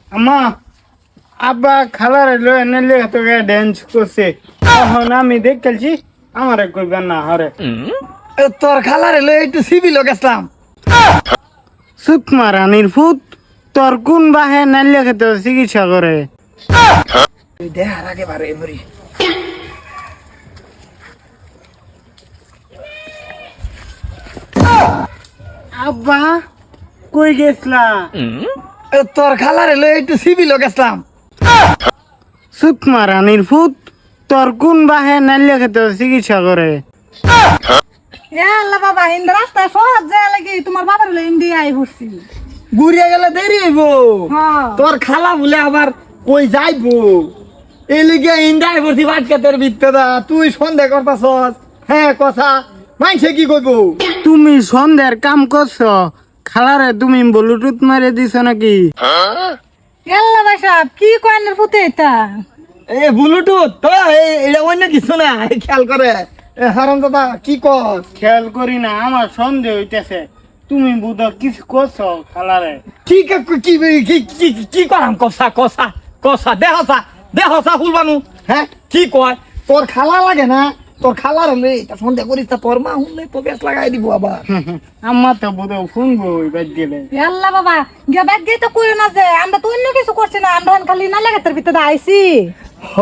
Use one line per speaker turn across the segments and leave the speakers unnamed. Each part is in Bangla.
আম্মা আব্বা খালার এলো এনে লেগে তো ড্যান্স করছে তখন আমি দেখতেছি আমার কইবেন না হরে
তোর খালার এলো একটু সিভিল গেছিলাম।
সুকমা রানীর ফুত তোর কোন বাহে নাইলে খেতে চিকিৎসা করে
দেখার আগে বারে মরি।
আব্বা কই গেছলা
তোর খালার এলো একটু সিভিল গেছিলাম।
সুকমা রানীর ফুত তোর কোন বাহে নাইলে খেতে চিকিৎসা করে
আল্লাহ বাবা হিন্দ রাস্তায় সহজ যায় লাগি তোমার বাবার হলো ইন্ডিয়ায় ঘুরছি।
ঘুরিয়ে গেলে দেরি হইব।
হ্যাঁ
তোর খালা বলে আবার কই যাইবো এই লিগে ইন্ডাই ভর্তি বাটকাতের বিত্তে দা তুই সন্দেহ করতাছস। হ্যাঁ কথা মাইছে কি কইবো।
তুমি সন্ধ্যার কাম করছো খালারে তুমি ব্লুটুথ মারে দিছ নাকি
আল্লাহ বাসাব কি কয়নের ফুটে এটা
এ ব্লুটুথ তো এটা অন্য কিছু না খেয়াল করে হারাম দাদা কি কর।
খেয়াল করি না আমার সন্দেহ হইতেছে তুমি বুধ কিছু করছো খালারে
কি কি কি কি কি করাম কষা কষা কষা দেহসা ফুলবানু। হ্যাঁ কি কয় তোর খালা লাগে না তোর খালার হলে এটা সন্দেহ করিস তা তোর মা হলে তো বেশ লাগাই দিব আবার।
আমার তো বুধ শুনবো ওই বাদ গেলে
আল্লাহ বাবা গিয়া ব্যাগ গিয়ে তো কইও না যে আমরা তো অন্য কিছু করছি না আমরা খালি না লাগে তোর ভিতরে আইছি।
হ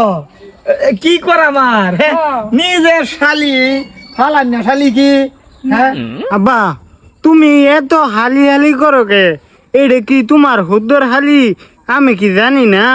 কি করা আমার হ্যাঁ
হ্যাঁ।
নিজের শালি ফালান না শালি কি হ্যাঁ
আব্বা তুমি এত হালি হালি করো কে এটা কি তোমার হুদ্দর হালি আমি কি জানি না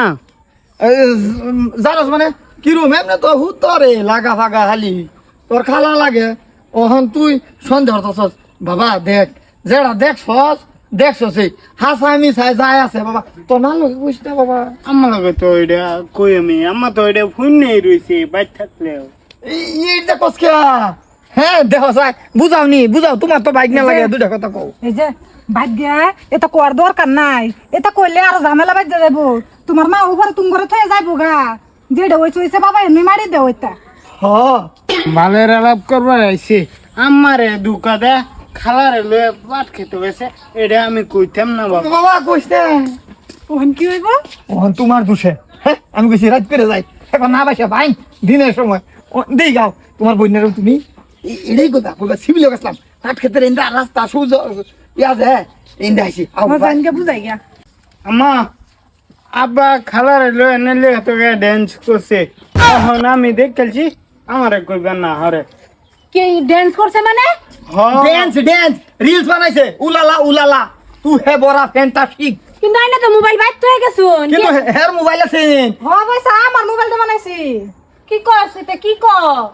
জানোস মানে কিরম এমনি তো হুতরে লাগা ফাগা হালি তোর খালা লাগে ওহন তুই সন্দেহ করতেছস। বাবা দেখ যেটা দেখছস এই হাসামি চাই যায় আছে বাবা তোর না লোক বুঝ না বাবা।
আমার লগে তো এটা কই আমি আমার তো এটা ফোন নেই রয়েছে বাইর থাকলেও
এইটা কসকে হ্যাঁ দেখ চাই বুঝাও তোমার তো বাইক না লাগে দুটা কথা কও।
এই যে ব্যাগ গিয়া এটা কোয়ার দরকার নাই এটা কইলে আর ঝামেলা বাজ যাবো তোমার মা উপরে তুমি ঘরে থয়ে যাইবো গা যেটা হইছে বাবা এমনি মারি দেও এটা।
হ
বালের আলাপ করবার আইছে আমারে দুকা দে খালারে লয়ে পাট খেতে গেছে এটা আমি কইতাম না বাবা
বাবা কইস না
ওহন কি হইব
ওহন তোমার দোষে হ্যাঁ আমি কইছি রাত করে যাই এখন না বাসা ভাই দিনের সময় দেই গাও তোমার বইনের তুমি এটাই কথা কইবা সিভিল গেছিলাম কাঠ ক্ষেতের ইন্দা রাস্তা সুজ ইয়াজ হ্যাঁ ইন্দা আইছি
আমার জানকে বুঝাই গিয়া
আম্মা আব্বা খালারে লয়ে এনে লেগে তো ড্যান্স করছে তখন আমি দেখতেছি আমারে কইবেন না হরে
কি ডান্স করছে মানে
ড্যান্স রিলস বানাইছে উলালা তু হে বড়া ফ্যান্টাস্টিক।
কিন্তু আইনা তো মোবাইল বাইর হয়ে গেছুন
কিন্তু হের মোবাইল আছে
হ পয়সা আমার মোবাইল তো বানাইছি কি করছ এটা কি ক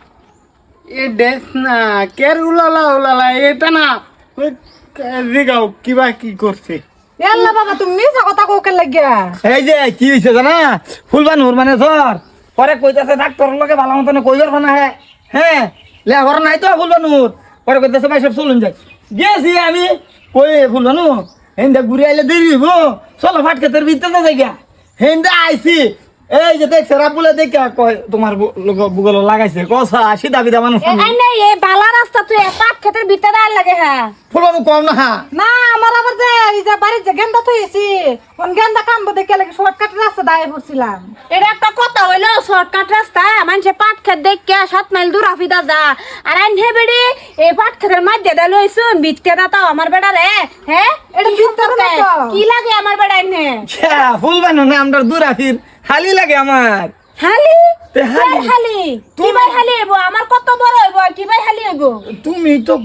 এ ড্যান্স না কের উলালা উলালা এটা না ওই দিগাও কিবা কি করছে
আল্লাহ বাবা তুমি মিছা কথা কোকে লাগিয়া
এই যে কি হইছে জানা ফুলবানুর মানে ধর পরে কইতাছে ডাক্তারের লগে ভালো মতন কইবার না হ্যাঁ লেবার নাই তো ফুলবানুর পরে কইতাছে ভাই সব চলুন যাই গেছি আমি কই ফুলবানু হেন্দা ঘুরে আইলে দেরি হইব চলো ফাটকে তোর ভিতরে যাই গা হেন্দা আইছি এই যে দেখছে রাবুলে দেখে কয় তোমার বুগল লাগাইছে কসা সিধা বিধা মানুষ
এই নাই এই বালা রাস্তা তুই পাট ক্ষেতের ভিতরে আর লাগে হ্যাঁ
ফুলবানু কম না
না আমার আবার যে এই যে বাড়ির যে গেন্দা থইছি কোন গেন্দা কামবো দেখে লাগে শর্টকাট রাস্তা দাঁড়িয়ে পড়ছিলাম।
এটা একটা কথা হইলো শর্টকাট রাস্তা মানুষে পাট খেত দেখে 7 মাইল দূর আফিদা যা আর আইনে বেড়ি এই পাট খেতের মধ্যে দা লইছুন বিটকে দাও আমার বেড়া রে হ্যাঁ
এটা ভিতরে না তো।
কি লাগে আমার বেড়া আইনে
ফুলবানু না আমরা দূর আফির হালি লাগে আমার
হালি
তে হালি।
হালি হালি কি ভাই হালি হইব আমার কত বড় হইব কি ভাই হালি হইব
তুমি তো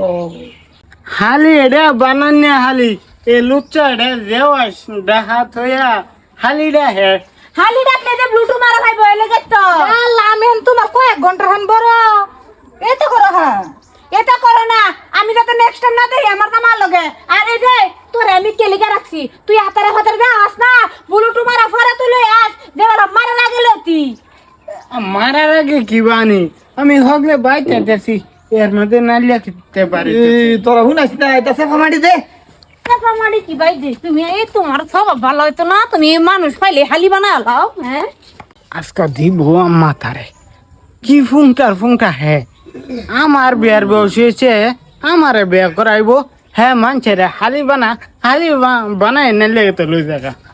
হালি এটা বানান্য হালি এ লুচ্চা এটা দেওয়াস দেখাত হইয়া হালিটা হে
হালি ডাকলে যে ব্লুটুথ মারা খাইব এলে গেতো
আল্লাহ আমি হেন তোমার কয়েক ঘন্টা হেন বড় এই তো করো হ্যাঁ
এটা করো না আমি যাতে নেক্সট টাইম না দেই আমার কামার লগে আর এই যে তোর আমি কেলিকা রাখছি তুই হাতারে হাতারে যা আস না ব্লুটুথ মারা ফরে তুই লই আস দেওয়ালা মারা লাগে লতি
মারার আগে কি বানি আমি হগলে বাইতে দেখছি এর মধ্যে নালিয়া খেতে পারি
তোরা শুনাইস না এটা সেফা মাটি দে
মারি কি ভাই যে তুমি এই তোমার সব ভালো হইতো না তুমি মানুষ পাইলে হালি বানায় লাও হ্যাঁ
আজকে দিব মাথারে কি ফুংটা হে আমার বিয়ার বয়স হয়েছে আমারে বিয়া করাইবো হ্যাঁ মানছে রে হালি বানায় না লেগে তো লই জায়গা